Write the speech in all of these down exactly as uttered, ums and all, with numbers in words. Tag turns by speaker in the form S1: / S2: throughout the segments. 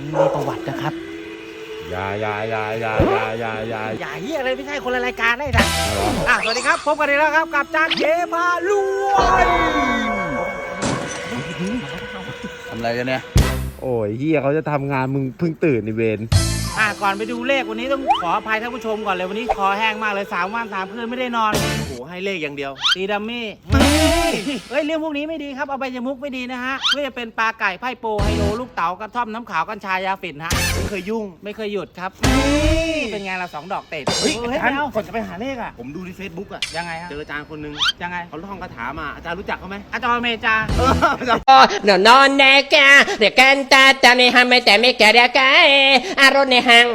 S1: มีประวัตินะครับ
S2: อย่าอย่าอย่าอย่าอย่าอย่าอย่า
S1: อย่าเฮียอะไรไม่ใช่คนละรายการได้ท่านอ่ะสวัสดีครับพบกันอีกแล้วครับกับจานเกพารวย
S3: ทำอะไรกันเนี่ย
S2: โอ้ยเฮียเขาจะทำงานมึงเพิ่งตื่นในเวร
S1: อ่ะก่อนไปดูเลขวันนี้ต้องขออภัยท่านผู้ชมก่อนเลยวันนี้คอแห้งมากเลยสามวันสามคืนไม่ได้นอนโอ้โหให้เลขอย่างเดียวตีดัมมี่เฮ้ยเรื่องพวกนี้ไม่ดีครับเอาไปจมุกไม่ดีนะฮะไม่ว่าจะเป็นปลาไก่ไพ่โปไฮโลลูกเต๋ากระท่อมน้ำขาวกัญชายาฝิ่นฮะ
S3: ไม่เคยยุ่ง
S1: ไม่เคยหยุดครับเป็นไงเราสองดอกเตะ
S3: เฮ้ยอาจารย์
S1: ก่อนจะไปหาเลขอ่ะ
S3: ผมดูในเฟซบุ๊กอ่ะ
S1: ยังไงฮะ
S3: เจออาจารย์คนนึง
S1: ยังไง
S3: เขาท่องคาถามาอาจารย์รู้จักเขาไหม
S1: อาจารย์เมจา
S4: no no ne ka de canta ta ne ha me te me ka de ka a ro ne hang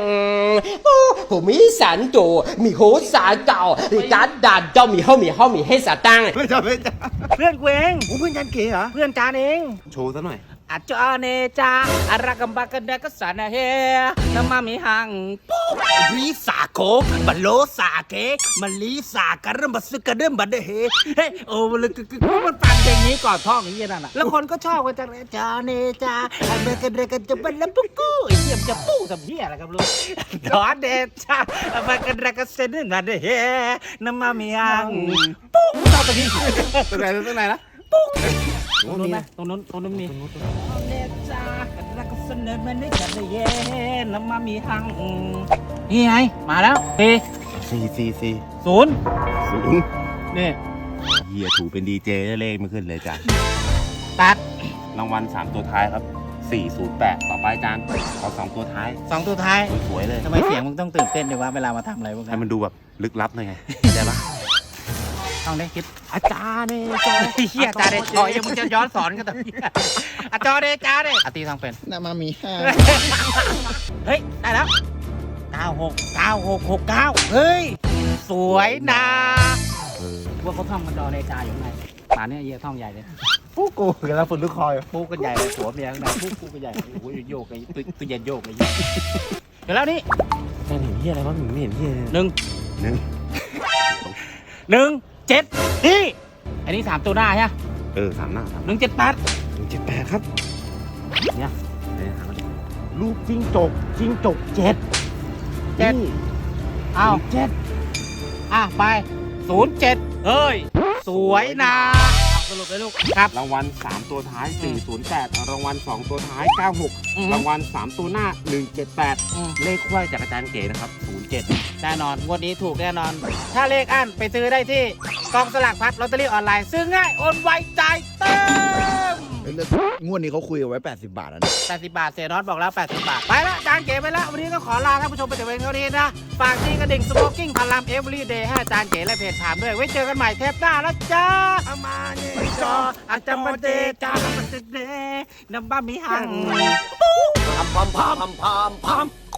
S4: o hu mi san tu mi ho sa gao ri ka da do mi ho mi ho mi he sa tang
S3: ไม่ใช่ไม่ใช่
S1: เพื่อนกูเอง
S3: ผมเพื่อนอาจารย์เก๋เหรอ
S1: เพื่อนจานเอง
S3: โชว์ซะหน่อย
S1: อาจารย์เนจาอารักบักกันเดกสันเฮน้ำมามีหังปุ๊บลิสาโคบัลโลสาเกมันลิสากระเริ่มบัสกระเริ่มบัดเดเฮเฮ้โอ้มันคือมันฟังเพลงนี้ก่อนท่องอย่างนี้นั่นน่ะแล้วคนก็ชอบกันจังเลยอาจารย์เนจาอาเบกันเดกันจะเป็นแล้วปุ๊กกู้ไอ้เหี้ยมันจะปู้สัมเหี้ยอะไรครับลูกดอนเนจาอาบักกันเดกันเซนบัดเดเฮน้ำมามีหังปุ๊บชอบตรงนี้
S3: ตรงไหนตรงไหนนะ
S1: ปุ๊บตรงนู้นไหมตรงนู้นตรงนู้นมีเนจากันรักเสนอมันได้กันเลยเย็นน้ำมามีหังนี่ไงมาแล้วเอ
S3: สี่สี่สี่
S1: ศูนย์
S3: ศูนย์
S1: นี่
S3: เฮียถูเป็นดีเจเลขไม่ขึ้นเลยจ้ะ
S1: ตัด
S3: รางวัลสามตัวท้ายครับสี่ศูนย์แปดต่อไปอาจารย์ขอสองตัวท้าย
S1: สองตัวท้าย
S3: สวยเลย
S1: ทำไมเสียงมึงต้องตื่นเต้นด้วยวะเวลามาทำอะไรพวกนี้
S3: ให้มันดูแบบลึกลับหน่อยไงได้ปะ
S1: ต้องได้คิด
S3: อาจารย์เนี่ยจอ
S1: เฮียอาจารย์เดจอยยังมึงจะย้อนสอนกันตรงนี้อาจารย์เดจาเดอาตีทางเป็น
S3: น่ามามีห้า
S1: เฮ้ยได้แล้วเก้าหกเก้าหกหกเก้าเฮ้ยสวยนะว่าเขาท่องกันดอเดจาอยู่ไงป่านนี้เยี่ยท่องใหญ่เลย
S3: ปุ๊กกูกันแล้วฝุ่นลึกคอย
S1: ปุ๊กกันใหญ่เลยหัวเมียข้างในปุ๊กกูกันใหญ่โอ้ยโยกไอ้ตัวเย็นโยกไอ้เดี๋ยวแล้วนี่
S3: เห็นเฮียอะไรวะมึงไม่เห็นเฮีย
S1: หนึ่ง
S3: หนึ่ง
S1: หนึ่งเจ็ดนี่อันนี้สามตัวหน้าใช่ไหม
S3: เออสามหน้า
S1: หนึ่งเจ็ดแปด
S3: หนึ่งเจ็ดแปดครับ
S1: เนี่ย
S3: ลูกจิ้งจกจิ้งจกเจ็ด
S1: เจ็ดอ้าว
S3: เจ็ด
S1: อ่ะไปศูนย์เจ็ดเฮ้ยสวยนะสรุปเลยลูกครับ
S3: รางวัลสามตัวท้ายสี่ศูนย์แปดรางวัลสองตัวท้ายเก้าหกรางวัลสามตัวหน้าหนึ่งเจ็ดแปดเลขควายจากอาจารย์เก๋นะครับศูนย์เจ็ด
S1: แน่นอนงวดนี้ถูกแน่นอน ถ้าเลขอั้นไปซื้อได้ที่กองสลากพัดลอตเตอรี่ออนไลน์ซื้อง่ายโอนไวจ่ายเต็ม
S3: งวดนี้เขาคุยเอาไว้แปดสิบบาทนะ
S1: แปดสิบบาทเสียน็อตบอกแล้วแปดสิบบาทไปละจานเก๋ไปละวันนี้ก็ขอลาท่านผู้ชมไปแต่เพียงเท่านี้นะฝากที่กระดิ่งสโมกิ้งพลัมเอเวอรี่เดย์ให้อาจารย์เก๋และเพจถามด้วยไว้เจอกันใหม่เทปหน้าแล้วจ้าอามาเนจออาจารย์มาเดจามาเดเดน้ำบ้ามีหัง
S4: พามพามพามพามพาม